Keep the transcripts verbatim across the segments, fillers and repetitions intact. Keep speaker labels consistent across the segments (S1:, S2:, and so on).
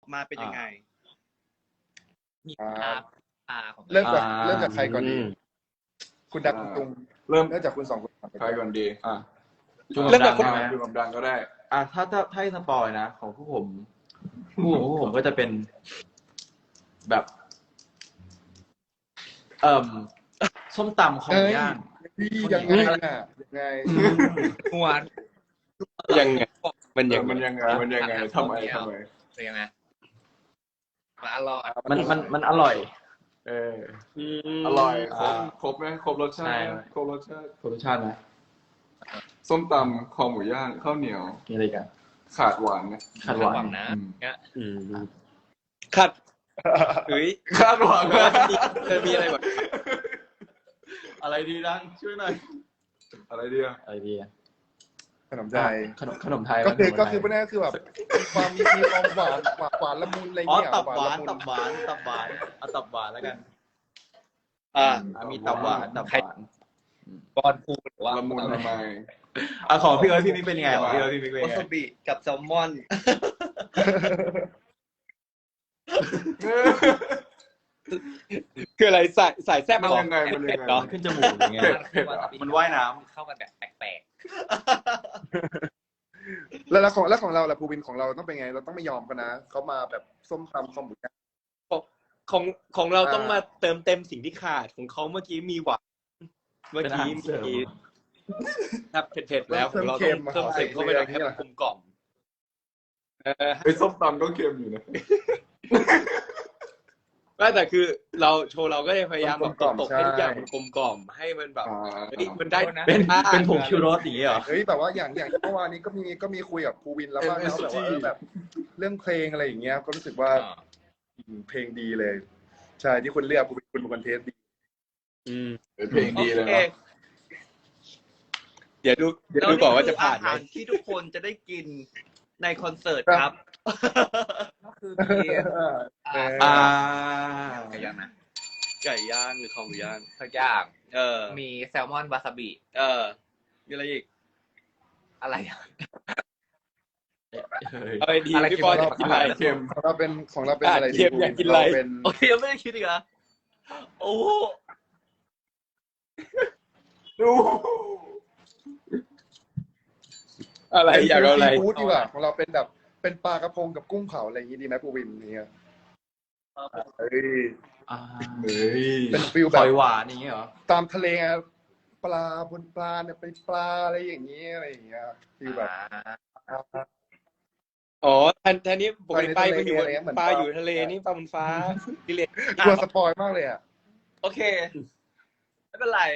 S1: มาเป็นยังไง
S2: มีอาอาของ
S3: เริ่มจากเริ่มจากใครก่อนดีคุณดักคุณตุง
S4: เริ่ม
S3: เริ่มจากคุณสองคน
S4: ใครก่อนดีอ่ะ
S5: เริ่มจากคน
S4: ดูกับดังก็ได้
S5: อ่ะถ้าถ้าให้สปอยนะของพวกผมผู้ของพวกผมก็จะเป็นแบบเอ่อส้มตำของย่าง
S3: ยังไงน่ะยังไง
S2: หวาน
S4: ยังไงมันยังมันยังไงมันยังไงทำไมทำไม
S2: เป็นยังไงมันอร่อย
S5: มันมันมันอร่อย
S4: เอออร่อยครบครบไหมครบรสชาติครบรสชาติ
S5: ครบรสชาติไหม
S4: ส้มตำคอหมูย่างข้าวเหนียว
S5: มีอะไรกัน
S4: ขาดหวานนะ
S5: ขาดหวาน
S2: นะเนี่ย
S1: ขาดเฮ้ย
S4: ขาดหวาน
S1: เคยมีอะไรแบบ
S5: อะไรดีดังช่วยหน่อย
S4: อะไรดีอะ
S5: อะไรดี
S3: ขนมไทย
S5: ขนมขนมไทย
S3: ก็คือก็คือพวกนี้ก็คือแบบความมีความหวานหวานละมุนอะไรเงี้ย
S5: ตับหวานตับหวานตับหวานเอาตับหวานแล้วกัน
S1: อ่า
S5: มีตับหวานตับหวาน
S2: บอลพูดว่า
S4: ละมุนละไม
S5: อ่ะของพี่เอิร์ธพี่มิกเป็นยังไงของพี่เอิร์ธพี่มิกเป็นยังไง
S1: วาซาบิกับแซลมอนคืออะไรใส่ใส่แซ่บ
S4: มันยังไงมันยังไง
S5: ขึ้นจมูกอย่างเงี้ยมันว่ายน้
S2: ำเข้ากันแบบแปลก
S3: ๆแล้วของแล้วของเราล่ะภูวินของเราต้องเป็นไงเราต้องไม่ยอมกันนะเขามาแบบส้มตำคอมบุก
S1: ของของเราต้องมาเติมเต็มสิ่งที่ขาดของเขาเมื่อกี้มีหวานเมื่อกี้มีครับเผ็ดๆแล้วของเราต้องเพิ่มเสริมเข้าไปเลยให้มันกลมกล่อม
S4: ไอ้ส้มตำก็เค็มอยู่นะ
S1: แต่คือเราโชว์เราก็จะพยายามแบบตกให้ทุกอย่างมันกลมกล่อมให้มันแบบเฮ้ยมันได้นะ
S5: เป็นเป็นผงชูรสอย่างเงี้ยเหรอ
S3: เฮ้ยแต่ว่าอย่างอย่างเมื่อวานนี้ก็มีก็มีคุยกับภูวินแล้วว่าเขาแบบว่าแบบเรื่องเพลงอะไรอย่างเงี้ยก็รู้สึกว่าเพลงดีเลยใช่ที่คุณเลือกภูวินคุณเป็นคนเทสดี
S4: อืมเพลงดีเลยนะ
S1: เดี๋ยวดูเดี๋ยวดูก่อนว่าจะผ่านไหมที่ทุกคนจะได้กินในคอนเสิร์ตครับ
S2: ก็คือมี
S1: อ่า
S2: ไก่ย่างนะ
S1: ไก่ย่างหรือคอหมูย่าง
S2: ทุกอย่าง
S1: เออ
S2: มีแซลมอนวาซาบิ
S1: เออมีอะไรอีก
S2: อะไร
S1: อะไรดีพี่ปอยอยากกินอะไร
S3: เค็มของเราเป็นของเราเป็นอะไร
S1: เค็มอยากกินอะไรโอเคยังไม่ได้คิดอีกเหรอโอ้
S4: ดู
S1: อะไรอยากเอาอะไร
S3: ฟู้ดดีกว่าของเราเป็นแบบเป็นปลากระพงกับกุ้งเผาอะไรอย่างนี้ดีไหมภูวินเนี่ยเฮ้ยเป็นฟิลแบบ
S5: หวานอย่างเงี้ยเหรอ
S3: ตามทะเลปลาบนปลาเนี่ยเป็นปลาอะไรอย่างเงี้ยอะไรอย่างเงี้ยฟิลแบบ
S1: อ๋อแทนแทนนี้ปกติปลาอยู่ปลาอยู่ทะเลนี่ปลาบนฟ้าดิเลก
S3: กลัวสปอยมากเลยอ่ะ
S1: โอเคไม่เป็นไร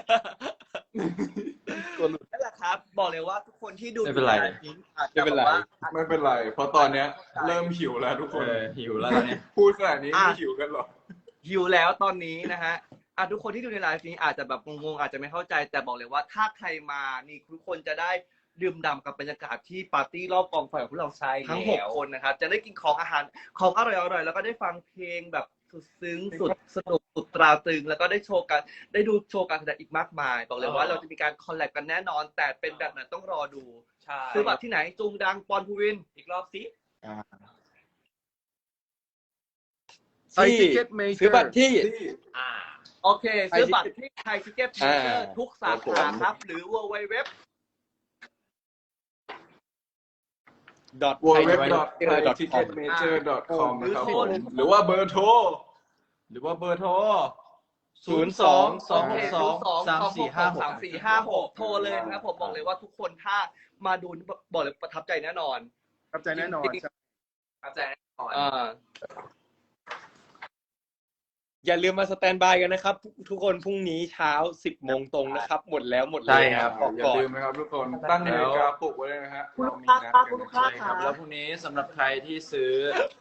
S1: นั่นแหละครับบอกเลยว่าทุกคนที่ดู
S5: ไม่เป็นไร
S1: ไม่เป็นไร
S4: ไม่เป็นไรเพราะตอนเนี้ยเริ่มหิวแล้วทุกคน
S5: หิวแล้วเนี่ย
S4: พูดขนาดนี้ไม่หิวกันหรอ
S1: หิวแล้วตอนนี้นะฮะอ่ะทุกคนที่ดูในไลฟ์นี้อาจจะแบบงงๆอาจจะไม่เข้าใจแต่บอกเลยว่าถ้าใครมานี่ทุกคนจะได้ดื่มด่ำกับบรรยากาศที่ปาร์ตี้รอบกองไฟของพวกเราทั้งหกคนนะครับจะได้กินของอาหารของอร่อยๆแล้วก็ได้ฟังเพลงแบบสุดซึ้งสุดสนุกสุดตราตรึงแล้วก็ได้โชว์กันได้ดูโชว์การแสดงอีกมากมายบอกเลยว่าเราจะมีการคอลแลบกันแน่นอนแต่เป็นแบบไหนต้องรอดูซื้อบัตรที่ไหนจุงดังปอนภูวินอีกรอบสิซื้อบัตรที่อ่าโอเคซื้อบัตรที่ไทยทิเก็ตเมเจอร์ทุกสาขาครับหรือ ดับเบิลยู ดับเบิลยู ดับเบิลยู
S4: ดอท ดับเบิลยู ดับเบิลยู ดับเบิลยู ดอท ทิกเก็ตเมเจอร์ ดอท คอม นะครับหรือว่าเบอร์โทร
S5: หรือว่าเบอร์โทร
S1: ศูนย์ สอง สอง สอง สาม สี่ ห้า หก สาม สี่ ห้า หกโทรเลยนะครับผมบอกเลยว่าทุกคนถ้ามาดูบอกเลยประทับใจแน่นอน
S3: ประทับใจแน่นอน
S1: ประทับใจแน่นอนอ่าอย่าลืมมาสแตนบายกันนะครับทุกคนพรุ่งนี้เช้าสิบโมงตรงนะครับหมดแล้วหมดเลย
S4: ครับอย่าลืมนะครับทุกคนตั้งนาฬิกาปลุกไว้เลยนะฮะ
S1: เรามีนัดกัน
S5: นะครับแล้วพรุ่งนี้สำหรับใครที่ซื้อ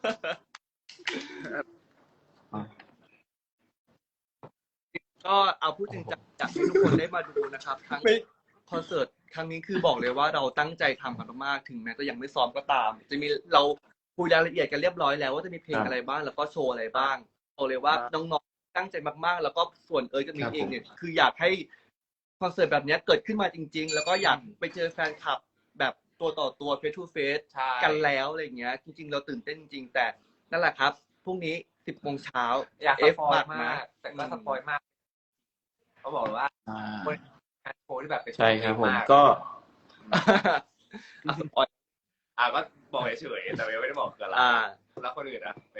S1: ก็เอาพูดจริงจากที่ทุกคนได้มาดูนะครับทั้งคอนเสิร์ตครั้งนี้คือบอกเลยว่าเราตั้งใจทำกันมากถึงแม้จะยังไม่ซ้อมก็ตามจะมีเราคุยรายละเอียดกันเรียบร้อยแล้วว่าจะมีเพลงอะไรบ้างแล้วก็โชว์อะไรบ้างบอกเลยว่าน้องๆตั้งใจมากๆแล้วก็ส่วนเอิร์ธกับมิกเองเนี่ยคืออยากให้คอนเสิร์ตแบบนี้เกิดขึ้นมาจริงๆแล้วก็อยากไปเจอแฟนคลับแบบตัวต่อตัว face to face
S2: ใช่
S1: กันแล้วอะไรอย่างเงี้ย จริง ๆ เราตื่นเต้นจริงๆแต่นั่นแหละครับพรุ่งนี้สิบโมงเช้า
S2: อยากส
S1: เอฟ
S2: ปอย
S1: บัตร
S2: มา
S1: นะ
S2: ก แต่ก็สปอยมากเขาบอกว่า
S5: อ่า
S2: คนงานโชว์ที่แบบเป็น
S5: ใช่ครับผม
S2: าก
S5: ก็
S1: อ่ะสปอย
S2: อ่าก็บอกเฉยๆแต่ยังไม่ได้บอกคืออะไร
S1: อ่า
S2: แล้วคนอื่นอ่ะเป็น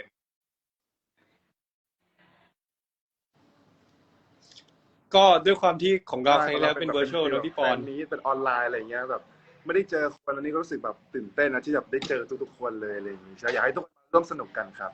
S6: ก็ด้วยความที่ของเราครั้งที่แล้วเป็น virtual เนอะพี่ปอน
S3: แฟนี้เป็นออนไลน์อะไรเงี้ยแบบ ไม่ได้เจอคนอันนี้ก็รู้สึกแบบตื่นเต้นนะที่แบบได้เจอทุกๆคนเลยอะไรอย่างงี้ใช่อยากให้ทุกคนร่วมสนุกกันครับ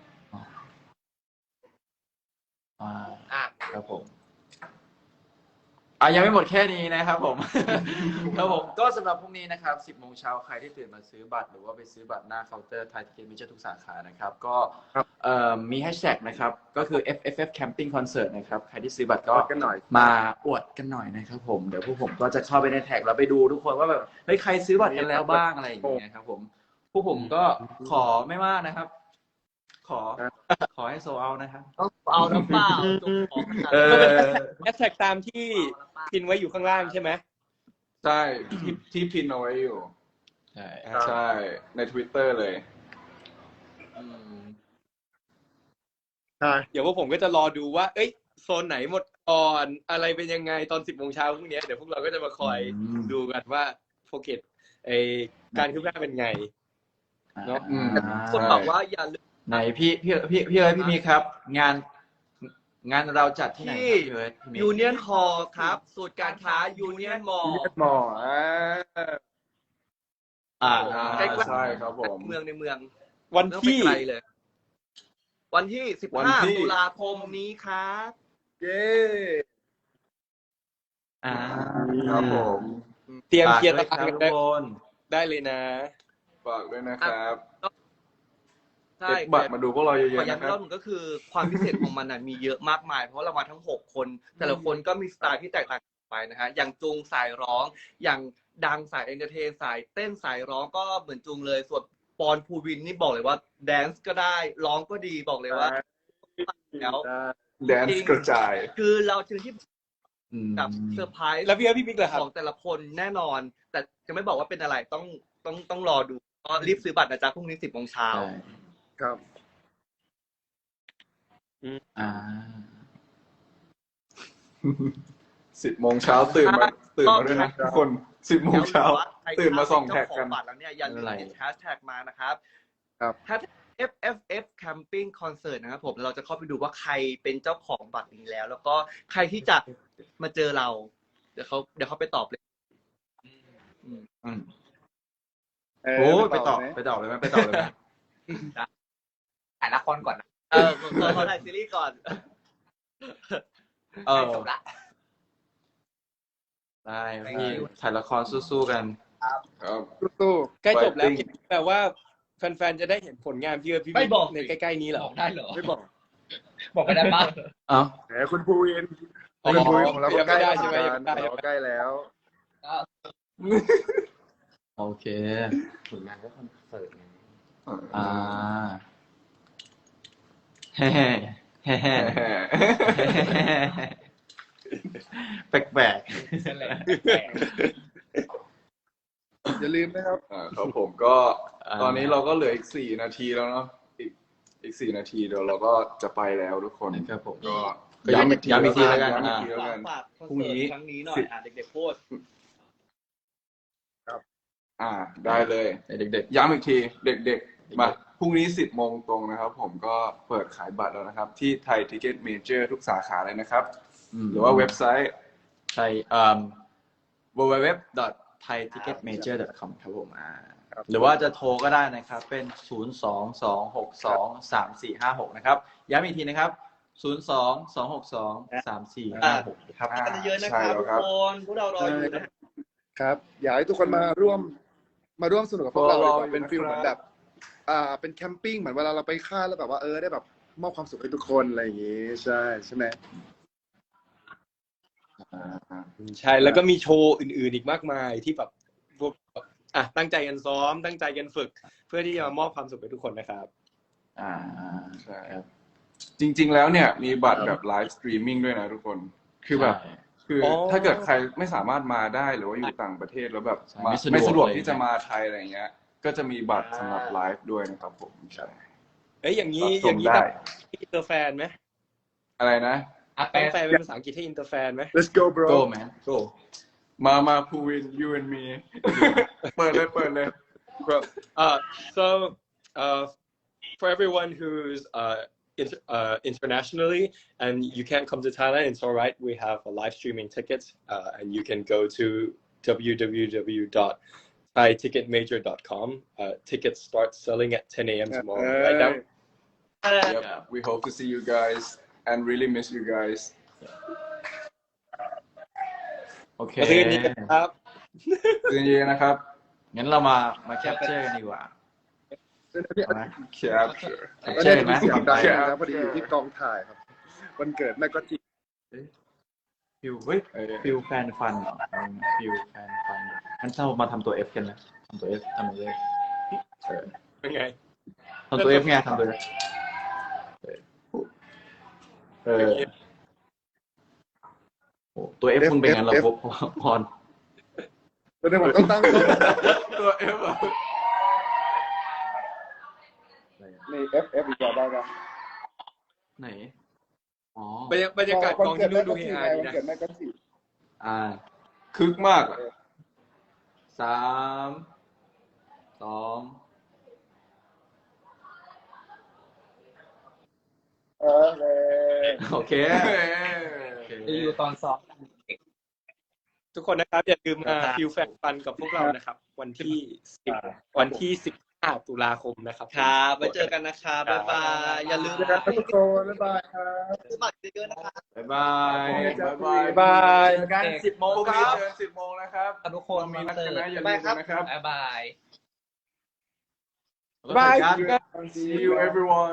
S5: อ่า
S2: อ่ะ
S5: ครับผม อ่ะยังไม่หมดแค่นี้นะครับผม ครับผมก็สำหรับพรุ่งนี้นะครับสิบโมงเช้าใครที่ตื่นมาซื้อบัตรหรือว่าไปซื้อบัตรหน้าเคาน์เตอร์ไทยทิเก็ตมิเจอร์ทุกสาขานะครับ ก็
S3: ครับ
S5: เอ่อมีแฮชแท็กนะครับ ก็คือ เอฟ เอฟ เอฟ Camping Concert นะครับ ใครที่ซื้อบัตรก็
S3: อวดกันหน่อย
S5: มาอวดกันหน่อยนะครับผม เดี๋ยวพวกผมก็จะเข้าไปในแท็กแล้วไปดูทุกคนว่าแบบเฮ้ยใครซื้อบัตรกันแล้วบ้างอะไรอย่างเงี้ยครับผมพวกผมก็ขอไม่มากนะครับ ขอ ขอให้โซเอานะครับ
S1: ต้องเอาน้ำเปล่าจุกของขนาด
S5: เอ
S1: นั้น
S5: อ
S6: แฮชแท็กตามที่พินไว้อยู่ข้างล่างใช่ไหม
S4: ใช่ที่ที่พินเอาไว้อยู่
S5: ใช่
S4: ใช่ใน Twitter เลย
S5: อืม
S3: ใช่
S6: เดี๋ยวพวกผมก็จะรอดูว่า เอ้ย โซนไหนหมดก่อนอะไรเป็นยังไงตอนสิบโมงเช้าพรุ่งนี้เดี๋ยวพวกเราก็จะมาคอย
S5: อืม
S6: ดูกันว่าโฟเกตไอการคืบหน้าเป็นไง เนอะ
S5: อืม
S1: คนบอกว่าอย่าลืม
S5: ไหนพี่พี่พี่พี่เอิร์ธพี่มีครับ งาน งานเราจัดที่ไหนครับพี่เอิร์ธพี่มี
S1: ยูเนียนคอครับสูตรการค้ายูเนียนมอล
S3: เรียกหมออ่า
S5: อ่า
S1: ใกล้ๆ
S4: ใช่ครับผม
S1: เมืองในเมือง
S6: วัน
S1: ไม่ต้อง
S6: ที่
S1: ไปไกลเลย วันที่สิบ
S4: วัน
S1: ห้า
S4: ที่
S1: ตุลาคมนี้ครับ
S3: เย้
S5: อ่า
S4: ครับผม
S6: เตรียม
S5: ฝาก
S6: เคลียร์
S5: ด้
S6: ตา
S5: วย
S6: ราง
S5: ครับ
S6: กัน
S5: ทุ
S6: ได้
S5: กคน
S6: ได้เลยนะ
S4: ฝากด้วยนะครับ
S1: ใช่
S4: เก็บบัตรมาดูพวกเราเย
S1: ขอ
S4: อะๆ
S1: ย้ำ
S4: นะ
S1: อี
S4: ค
S1: กร
S4: รั
S1: อ
S4: บบ
S1: หนึ่งก็คือความพิเศษของมันน่ะมีเยอะมากมาย เพราะเรามาทั้งหกคน แต่ละคนก็มีสไตล์ที่แตกต่างกันไปนะฮะอย่างจุงสายร้อง อย่างดังสายเอนเตอร์เทนสายเต้นสายร้องก็เหมือนจุงเลย ส่วนปอนภูวินนี่บอกเลยว่าแดนซ์ก็ได้ร้องก็ดีบอกเลยว่า แล้ว
S4: แดนซ์กระจาย
S1: คือเราจึงที่
S5: อืม
S1: กับเซอร์ไพรส์
S6: แล้วพี่เอิร์ธพี่บิ๊กเหรอครับ
S1: ของแต่ละคนแน่นอน แต่จะไม่บอกว่าเป็นอะไรต้องต้องต้องรอดูก็รีบซื้อบัตรนะจ๊ะพรุ่งนี้สิบโมงเช้า
S5: ใช่
S3: ครับ
S5: อ่า
S4: สิบโมงเช้าตื่นมาตื่นมาด้วยนะทุกคนสิบโมงเช้า ตื่นมาส่องแท็กกัน
S1: บัตรแล้วเนี่ยอย่าลืม
S5: อะไร
S1: ติดแฮชแท็กมานะครับ
S3: ครับ
S1: แฮช เอฟ เอฟ เอฟ Camping Concert นะครับผมเราจะเข้าไปดูว่าใครเป็นเจ้าของบัตรนี้แล้ว แล้วก็ใครที่จะมาเจอเรา เดี๋ยวเขาเดี๋ยวเขาไปตอบเลย
S5: อืม
S3: เออ
S5: โอ้ยไป
S3: ไป
S5: ต่
S3: ต่
S5: อ
S3: อไหม
S5: ไปต่อเลยไหมไปต่อเลยไหม
S2: ถ่ายละครก่อนนะ
S1: เออขอขอถ่ายซีรีส์ก่อน
S5: เออ
S2: จบละ
S5: ได้พี่ถ่ายละครสู้ๆกัน
S4: ครับ
S3: ตู้
S6: ใกล้จบแล้ว
S4: Fighting
S6: แปลว่าแฟนๆจะได้เห็นผลงานพี่เอิร์ธพี่
S1: ไม่
S6: บิ๊ก
S1: บอก
S6: ในใกล้ๆนี้เหรอ
S2: บอกได้เหรอ
S3: ๆไม่บอก
S2: บอกไม่ได้ปะ
S5: เอ้า
S3: แหมคุณภูวิน
S6: อ๋อ
S3: คุณภูวินของเราก็
S6: ยัง
S3: ใก
S6: ไม่
S3: ล้
S6: ได้
S3: แล้ว
S6: ใช่ไหมยังไม่ได้
S3: เราก็ใกล้แล้ว
S5: โอเค
S2: ผลงานก็คอนเสิร์ตไง
S5: อ่าแฮ่แฮ่แฮ่แปลก
S2: นั่นแหละ
S3: อย่าลืมนะครับ
S4: อ่าครับผมก็ตอนนี้เราก็เหลืออีกสี่นาทีแล้วเนาะอีกอีกสี่นาทีเดี๋ยวเราก็จะไปแล้วทุกคน
S5: ๆครับผม
S4: ก็
S5: ก็ย้ำย้ำอีกทีแล้วกัน
S4: ย้ำอีก
S5: อ่า
S4: ทีแล้วกัน
S1: ฝากคอน
S4: พรุ่ง
S1: เสิ
S4: นี้
S1: ร์ตครั้งนี้หน่อยอ่ะเด็กๆพูด
S4: อ่าได้เลย
S5: เด็ก
S4: ย้ำอีกทีเด็กๆ มาพรุ่งนี้สิบโมงตรงนะครับ ผมก็เปิดขายบัตรแล้วนะครับ ที่ไทยทิเก็ตเมเจอร์ทุกสาขาเลยนะครับ
S5: ๆม
S4: หรือว่าเว็บไซต์
S5: ไทยเอ่อ ดับเบิลยู ดับเบิลยู ดับเบิลยู ดอท ไทย ทิกเก็ต เมเจอร์ ดอท คอม ครับผมอ่า
S3: ครับ
S5: หรือว่าจะโทรก็ได้นะครับ เป็น ศูนย์ สอง สอง หก สอง สาม สี่ ห้า หก นะครับ ย้ำอีกทีนะครับ ศูนย์ สอง สอง หก สอง สาม สี่ ห้า หก ครับ
S4: อ่า
S1: กันเยอะๆนะค
S4: ใช่
S1: รับ
S4: แล้ว
S1: ทุกคนพวกเรารออยู่นะ
S3: ครับ อยากให้ทุกคนมาร่วม มาร่วมสนุกกับพวกเรา
S4: รอ
S3: ดีกว่าเป็น
S4: อยู่นะครับ
S3: ฟิลเหมือนแบบ อ่า เป็นแคมปิ้งเหมือนเวลาเราไปค่ายแล้วแบบว่าเออได้แบบมอบความสุขให้ทุกคนอะไรอย่างงี้ ใช่ใช่ไหม
S4: อ่า
S6: ใช่ แล้วก็มีโชว์อื่นๆอีกมากมายที่แบบพวกอ่ะตั้งใจกันซ้อม ตั้งใจกันฝึก เพื่อที่จะมามอบความสุขให้ทุกคนนะครับ
S5: อ่า
S4: ใช่ครับ จริงๆแล้วเนี่ยมีบัตรแบบไลฟ์สตรีมมิ่งด้วยนะทุกคน คือแบบ
S5: ใช่
S4: คืออ
S6: อ
S4: ถ้าเกิดใครไม่สามารถมาได้หรือว่าอยู่ต่างประเทศแล้วแบบมา
S5: ไม่
S4: ไม่
S5: สะ
S4: สะ
S5: ด
S4: ด
S5: ว
S4: ว
S5: ก
S4: ก
S5: อะไร
S4: ที่จะมาไทยอะไรเงี้ย ก็จะมีบัตรสำหรับไลฟ์ด้วยนะครับผมใช่
S6: เอ้ยอย่างนี้
S4: รับช
S6: อ
S4: ม
S6: ย่างนี้
S4: ได้
S6: ต้องอินเตอร์แฟนไหม
S4: อะไรนะ
S2: อ่ะ
S6: ต้
S2: แปล
S6: องแปลเป็นภาษาอังกฤษให้อินเตอร์แฟนไหม
S3: let's go bro
S5: go man go
S4: มามาภูวิน you and me เปิดเลยเปิดเลย
S6: Bro, uh, so uh, for everyone who's uh, inter- uh, internationally and you can't come to Thailand, it's all right. We have a live streaming tickets, uh, and you can go to w w w dot thai ticket major dot com. Uh, tickets start selling at ten a.m. tomorrow. Right now.
S4: Yep. We hope to see you guys and really miss you guys
S5: โอเค
S6: มาซื้อกันนี้กันครับ
S4: ซื้อเยอะนะครับ
S5: งั้นเรามามาแคปเจอร์กันดีกว่า เอาไหม
S4: capture
S5: แคป
S3: ก็
S5: เจอ
S3: ได้
S5: ร์ไหม
S3: ยินเสียงดัง
S4: แชร์
S3: นะพอดีอยู่ที่กองถ่ายครับวันเกิดแม่ก็จี
S5: ฟิวเฮ้ย
S4: เออ
S5: ฟิวแฟนฟันเหรอฟิวแฟนฟันงั้นเรามาทำตัว F กันนะทำตัว F ทำตัว F เออ
S6: เป็นไง
S5: ทำตัว F ไงทำตัว F เออโอ้ตัว F มึงเป็นงั้นเหรอพบพร
S3: แล้วเนี่ยผมต้องตั้ง
S4: ตัว F อะ
S3: ใน F F อีกแล้วได้ไหม
S5: ไหนอ๋อบ
S6: รรยากาศกองที่นู่นดูเฮฮาดี
S3: วัน
S6: นะ
S3: เกิดแม่ก็จี
S5: อ่า
S4: คึกมากอะ
S5: สามสอง
S3: เออเลย
S5: โอเค
S4: เฮ้ย
S2: จะอยู่ตอนสอบ
S6: ทุกคนนะครับอย่าลืมมาฟิลแฟนฟันกับพวกเรานะครับ วันที่สิบวันที่สิบห้าตุลาคมนะครับ
S1: ครับไว้เจอกันนะครับบ๊ายบาย อย่าลืม
S3: เจอกันครับทุกคนบ๊ายบายครับ
S1: ซื้อบัตรเยอะๆนะครับ
S5: บ๊ายบาย
S4: บ๊ายบาย
S6: บ๊ายบาย
S5: เจอกันสิบโมง
S4: พรุ่ง
S5: ค
S4: นี้
S5: รับ
S4: เจอกันสิบโมงนะครับ
S2: ทุกคน
S4: เรามีนัดกันนะอย่า
S1: บ๊า
S4: ลื
S1: ย
S4: ม
S1: บายครับ
S4: นะครับ
S2: บ๊ายบาย
S6: บ๊ายบาย
S3: See you
S4: See you everyone